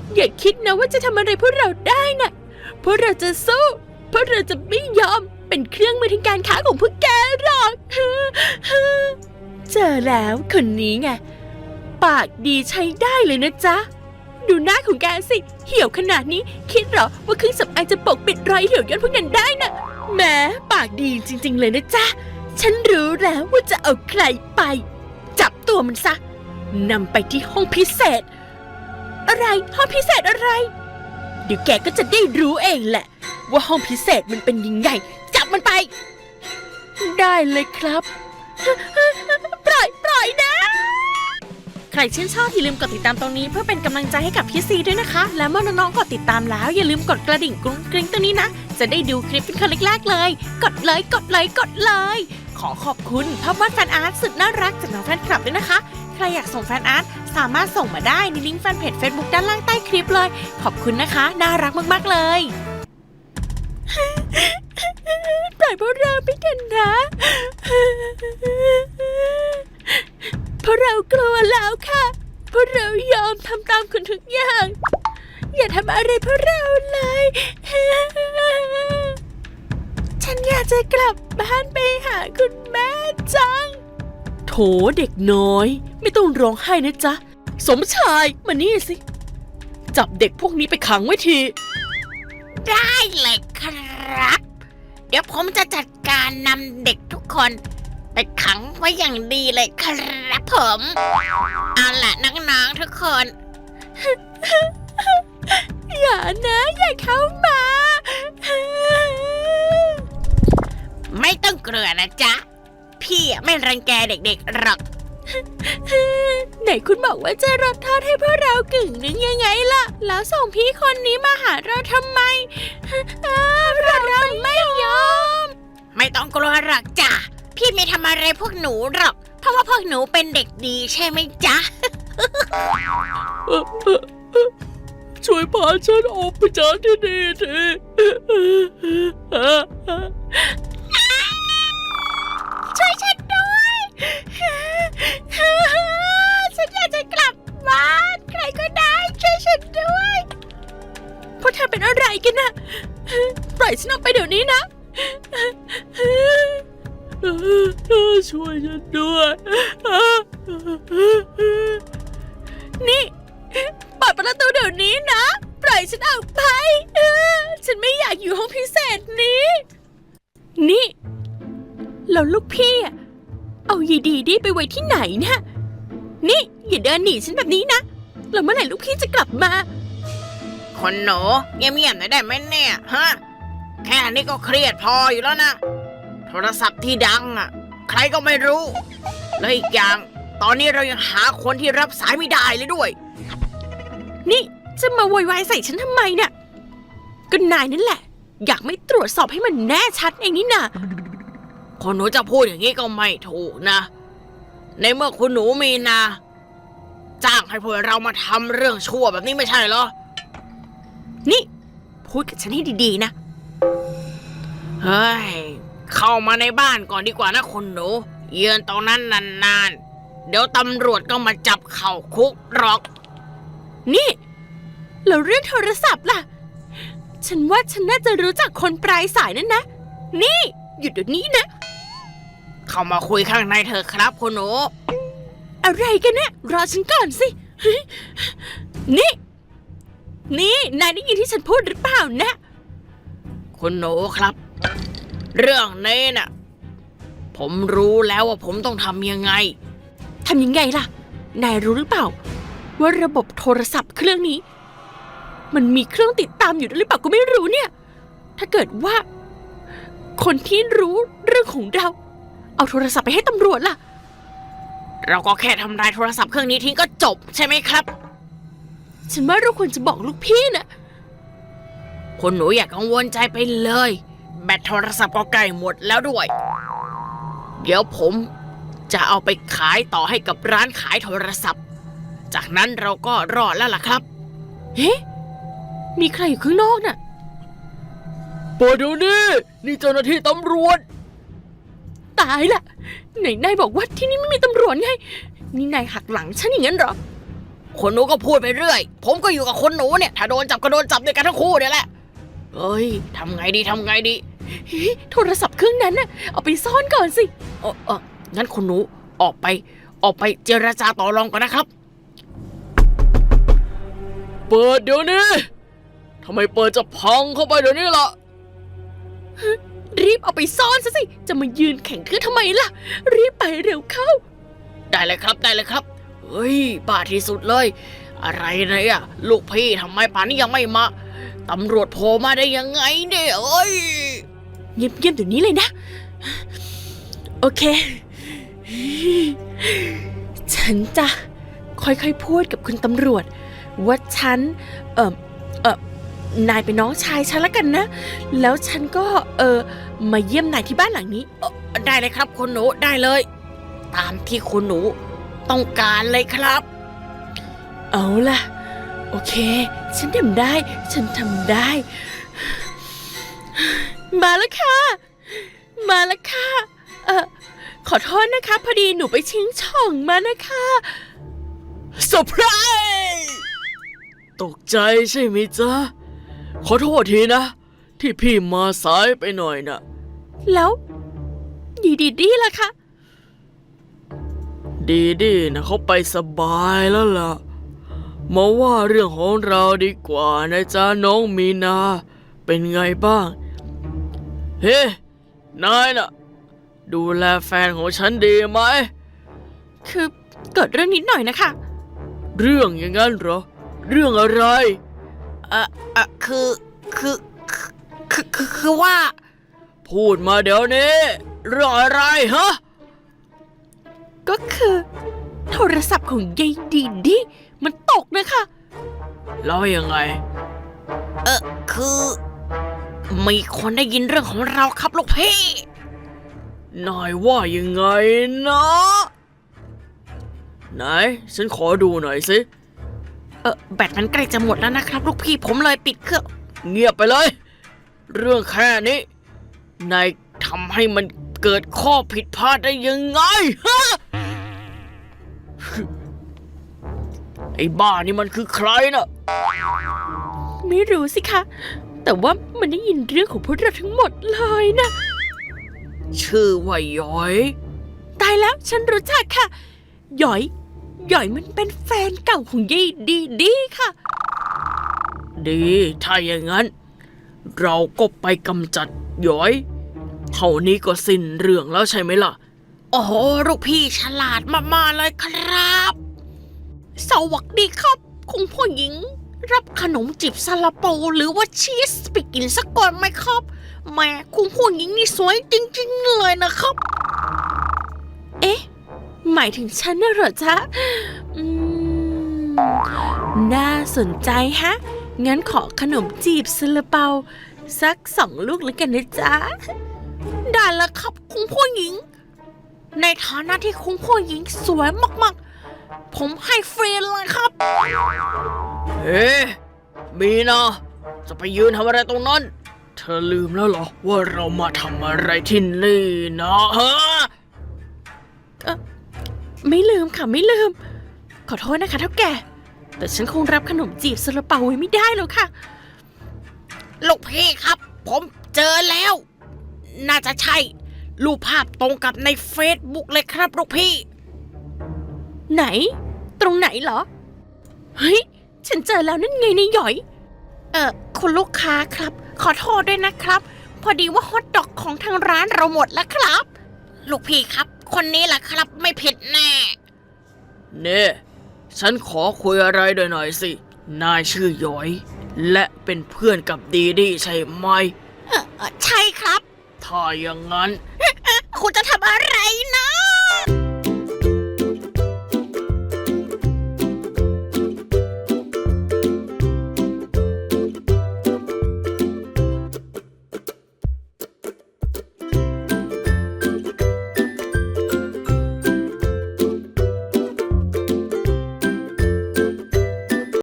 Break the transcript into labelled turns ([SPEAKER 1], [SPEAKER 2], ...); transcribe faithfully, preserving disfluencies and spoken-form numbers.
[SPEAKER 1] อย่าคิดนะว่าจะทำอะไรพวกเราได้น่ะพวกเราจะสู้พวกเราจะไม่ยอมเป็นเครื่องมือทางการค้าของพวกแกหรอกเจอแล้วคนนี้ไงปากดีใช้ได้เลยนะจ๊ะดูหน้าของแกสิเหี่ยวขนาดนี้คิดเหรอว่าเครื่องสำอางจะปกปิดรอยเหี่ยวย่นพวกนั้นได้น่ะแหมปากดีจริงๆเลยนะจ๊ะฉันรู้แล้วว่าจะเอาใครไปจับตัวมันซะนำไปที่ห้องพิเศษอะไรห้องพิเศษอะไรเดี๋ยวแกก็จะได้รู้เองแหละว่าห้องพิเศษมันเป็นยังไงจับมันไปได้เลยครับปล่อยปล่อยนะใครชื่นชอบอย่าลืมกดติดตามตรงนี้เพื่อเป็นกำลังใจให้กับพี่ซีด้วยนะคะและเมื่อน้องๆกดติดตามแล้วอย่าลืมกดกระดิ่งกรุ้งกริ้งตรงนี้นะจะได้ดูคลิปเป็นคนแรกๆเลยกดเลยกดเลยกดเลยขอขอบคุณภาพวาดแฟนอาร์ตสุดน่ารักจากน้องแฟนคลับด้วยนะคะใครอยากส่งแฟนอาร์ตสามารถส่งมาได้ในลิงก์แฟนเพจ Facebook ด้านล่างใต้คลิปเลยขอบคุณนะคะน่ารักมากๆเลยปล่อยพวกเราไปกันนะเพราะเรากลัวแล้วค่ะเพราะเรายอมทำตามคุณทุกอย่างอย่าทำอะไรพวกเราเลยฉันอยากจะกลับบ้านไปหาคุณแม่จังโถเด็กน้อยไม่ต้องร้องไห้นะจ๊ะสมชายมานี่สิจับเด็กพวกนี้ไปขังไว้ที
[SPEAKER 2] ได้เลยครับเดี๋ยวผมจะจัดการนำเด็กทุกคนไปขังไว้อย่างดีเลยครับผมเอาล่ะน้องๆทุกคน
[SPEAKER 1] อย่านะอย่าเข้ามา
[SPEAKER 2] ไม่ต้องกลัวนะจ๊ะพี่ไม่รังแกเด็กๆหรอก
[SPEAKER 1] ไหนคุณบอกว่าจะรับโทษให้พวกเรากึ่งนึงยังไงล่ะแล้วส่งพี่คนนี้มาหาเราทำไมเราเราไม่ยอม
[SPEAKER 2] ไม่ต้องกลัวหรอกจ้ะพี่ไม่ทำอะไรพวกหนูหรอกเพราะว่าพวกหนูเป็นเด็กดีใช่ไหมจ๊ะ
[SPEAKER 1] ช่วยพาฉันออกไปจากที่นี่ที
[SPEAKER 2] ช่วยฉันด้วยฉันอยากจะกลับบ้านใครก็ได้ช่วยฉันด้วย
[SPEAKER 1] พวกเธอเป็นอะไรกันนะปล่อยฉันออกไปเดี๋ยวนี้นะช่วยฉันด้วยนี่เปิดประตูเดี๋ยวนี้นะปล่อยฉันออกไปฉันไม่อยากอยู่ห้องพิเศษนี้นี่แล้วลูกพี่เอายีดีดีไปไว้ที่ไหนเนี่ยนี่อย่าเดินหนีฉันแบบนี้นะแล้วเมื่อไหร่ลูกพี่จะกลับมา
[SPEAKER 2] คนหนูเงียบๆหน่อยได้ไหมเนี่ยฮะแค่นี้ก็เครียดพออยู่แล้วนะโทรศัพท์ที่ดังอ่ะใครก็ไม่รู้และอีกอย่างตอนนี้เรายังหาคนที่รับสายไม่ได้เลยด้วย
[SPEAKER 1] นี่จะมาโวยวายใส่ฉันทำไมเนี่ยก็นายนั่นแหละอยากไม่ตรวจสอบให้มันแน่ชัดเองนี่นะ
[SPEAKER 2] คนหนูจะพูดอย่างนี้ก็ไม่ถูกนะในเมื่อคุณหนูมีนาจ้างให้พวกเรามาทำเรื่องชั่วแบบนี้ไม่ใช่เหรอ
[SPEAKER 1] นี่พูดกับฉันให้ดีๆนะ
[SPEAKER 2] เฮ้ยเข้ามาในบ้านก่อนดีกว่านะคุณหนูยืนตรงนั้นนานๆเดี๋ยวตำรวจก็มาจับเข้าคุกหรอก
[SPEAKER 1] นี่แล้วเรื่องโทรศัพท์ล่ะฉันว่าฉันน่าจะรู้จักคนปลายสายนั่นนะนี่หยุดเดี๋ยวนี้นะ
[SPEAKER 2] เข้ามาคุยข้างในเถอะครับคุณหนู
[SPEAKER 1] อะไรกันเนี่ยรอฉันก่อนสินี่นี่นายได้ยินที่ฉันพูดหรือเปล่านะ
[SPEAKER 2] คุณหนูครับเรื่องนี้น่ะผมรู้แล้วว่าผมต้องทำยังไง
[SPEAKER 1] ทำยังไงล่ะนายรู้หรือเปล่าว่าระบบโทรศัพท์เครื่องนี้มันมีเครื่องติดตามอยู่หรือเปล่าก็ไม่รู้เนี่ยถ้าเกิดว่าคนที่รู้เรื่องของเราเอาโทรศัพท์ไปให้ตำรวจล่ะ
[SPEAKER 2] เราก็แค่ทำลายโทรศัพท์เครื่องนี้ทิ้งก็จบใช่ไหมครับ
[SPEAKER 1] ฉันว่าเราควรจะบอกลูกพี่นะ
[SPEAKER 2] คุณหนูอย่ากังวลใจไปเลยแบตโทรศัพท์ก็ใกล้หมดแล้วด้วยเดี๋ยวผมจะเอาไปขายต่อให้กับร้านขายโทรศัพท์จากนั้นเราก็รอดแล้วล่ะครับ
[SPEAKER 1] เฮ้มีใครอยู่ข้างนอกน่ะเปิดเดี๋ยวนี้นี่เจ้าหน้าที่ตำรวจตายละไหนนายบอกว่าที่นี่ไม่มีตำรวจไงนี่นายหักหลังฉันอย่างนั้นเหรอ
[SPEAKER 2] คนหนูก็พูดไปเรื่อย ผมก็อยู่กับคนหนูเนี่ย ถ้าโดนจับก็โดนจับด้วยกันทั้งคู่เนี่ยแหละเอ้ยทำไงดีทำไงดี
[SPEAKER 1] เฮ้ยโทรศัพท์เครื่องนั้นน่ะเอาไปซ่อนก่อนสิ
[SPEAKER 2] เออเอองั้นคุณหนูออกไป ออกไปเจรจาต่อรองก่อนนะครับ เปิดเดี๋ยวนี้ทำไมเปิดจะพังเข้าไปเดี๋ยวนี้ล่ะ
[SPEAKER 1] รีบเอาไปซ่อนซะสิจะมายืนแข่งคือทำไมล่ะรีบไปเร็วเข้า
[SPEAKER 2] ได้เลยครับได้เลยครับเฮ้ยบ้าที่สุดเลย อะไรเนี่ยลูกพี่ทำไมป่านนี้ยังไม่มาตำรวจโผล่มาได้ยังไงเนี่ยเอ้ย
[SPEAKER 1] เงียบๆเดี๋ยวนี้เลยนะ โอเค ฉันจะค่อยๆพูดกับคุณตำรวจว่าฉันเออเออนายเป็นน้องชายฉันแล้วกันนะ แล้วฉันก็เออมาเยี่ยมนายที่บ้านหลังนี้
[SPEAKER 2] เอ่อได้เลยครับคุณหนูได้เลย ตามที่คุณหนูต้องการเลยครับ
[SPEAKER 1] เอาล่ะ โอเค ฉันทำได้ ฉันทำได้ มาแล้วค่ะ มาแล้วค่ะ เออขอโทษนะคะ พอดีหนูไปชิงช่องมานะคะ
[SPEAKER 2] เซอร์ไพรส์ตกใจใช่ไหมจ๊ะ ขอโทษทีนะ ที่พี่มาสายไปหน่อยนะ
[SPEAKER 1] แล้วดีดีดีล่ะคะ
[SPEAKER 2] ดีดีนะเขาไปสบายแล้วล่ะ มาว่าเรื่องของเราดีกว่านะจ๊ะน้องมีนา เป็นไงบ้าง เฮ้ นายน่ะ ดูแลแฟนของฉันดีไหม
[SPEAKER 1] คือเกิดเรื่องนิดหน่อยนะคะ
[SPEAKER 2] เรื่องอย่างนั้นเหรอ เรื่องอะไรเอ่อเอ่อคือคือคือคือคือว่า พูดมาเดี๋ยวนี้เรื่องอะไรฮะ
[SPEAKER 1] ก็คือ โทรศัพท์ของยายดีดีมันตกนะคะ
[SPEAKER 2] แล้วยังไง เออคือมีคนได้ยินเรื่องของเราครับลูกพี่นายว่ายังไงนะไหนฉันขอดูหน่อยสิเออแบตมันใกล้จะหมดแล้วนะครับลูกพี่ผมเลยปิดเครื่องเงียบไปเลย เรื่องแค่นี้นายทำให้มันเกิดข้อผิดพลาดได้ยังไงฮะไอ้บ้านี่มันคือใครน่ะ
[SPEAKER 1] ไม่รู้สิคะ แต่ว่ามันได้ยินเรื่องของพวกเราทั้งหมดเลยนะ
[SPEAKER 2] ชื่อว่าย้อย
[SPEAKER 1] ตายแล้วฉันรู้จักค่ะ หยอย หยอยมันเป็นแฟนเก่าของยายดีดีค่ะ
[SPEAKER 2] ดีถ้าอย่างนั้น เราก็ไปกำจัดย้อย เท่านี้ก็สิ้นเรื่องแล้วใช่ไหมล่ะ โอ้โหลูกพี่ฉลาดมากๆเลยครับ
[SPEAKER 1] สวัสดีครับคุณผู้หญิง รับขนมจีบซาลาเปาหรือว่าชีสไปกินสักก่อนไหมครับแหม่คุณผู้หญิงนี่สวยจริงๆเลยนะครับ เอ๊ะ หมายถึงฉันน่ะเหรอจ๊ะอืมน่าสนใจฮะ งั้นขอขนมจีบซาลาเปาสักสองลูกแล้วกันนะจ๊ะ ได้แล้วครับคุณผู้หญิง ในฐานะที่คุณผู้หญิงสวยมากๆผมให้ฟรีเลยครับ
[SPEAKER 2] เฮ้มีนะจะไปยืนทำอะไรตรงนั้น เธอลืมแล้วเหรอว่าเรามาทำอะไรที่นี่นะฮะ
[SPEAKER 1] เอ่อไม่ลืมค่ะไม่ลืม ขอโทษนะคะเท่าแก่แต่ฉันคงรับขนมจีบซาลาเปาไว้ไม่ได้แล้วค่ะ
[SPEAKER 2] ลูกพี่ครับ ผมเจอแล้ว น่าจะใช่รูปภาพตรงกับในเฟซบุ๊กเลยครับลูกพี่
[SPEAKER 1] ไหน ตรงไหนเหรอ เฮ้ย ฉันเจอแล้วนั่นไงในหยอย เอ่อคุณลูกค้าครับ ขอโทษด้วยนะครับ พอดีว่าฮอทดอกของทางร้านเราหมดแล้วครับ
[SPEAKER 2] ลูกพี่ครับ คนนี้แหละครับไม่ผิดแน่เน่ฉันขอคุยอะไรด้วยหน่อยสิ นายชื่อย้อย และเป็นเพื่อนกับดีดีใช่ไหม
[SPEAKER 1] เออเอ่อใช่ครับ
[SPEAKER 2] ถ้าอย่างนั้น
[SPEAKER 1] คุณจะทำอะไรนะ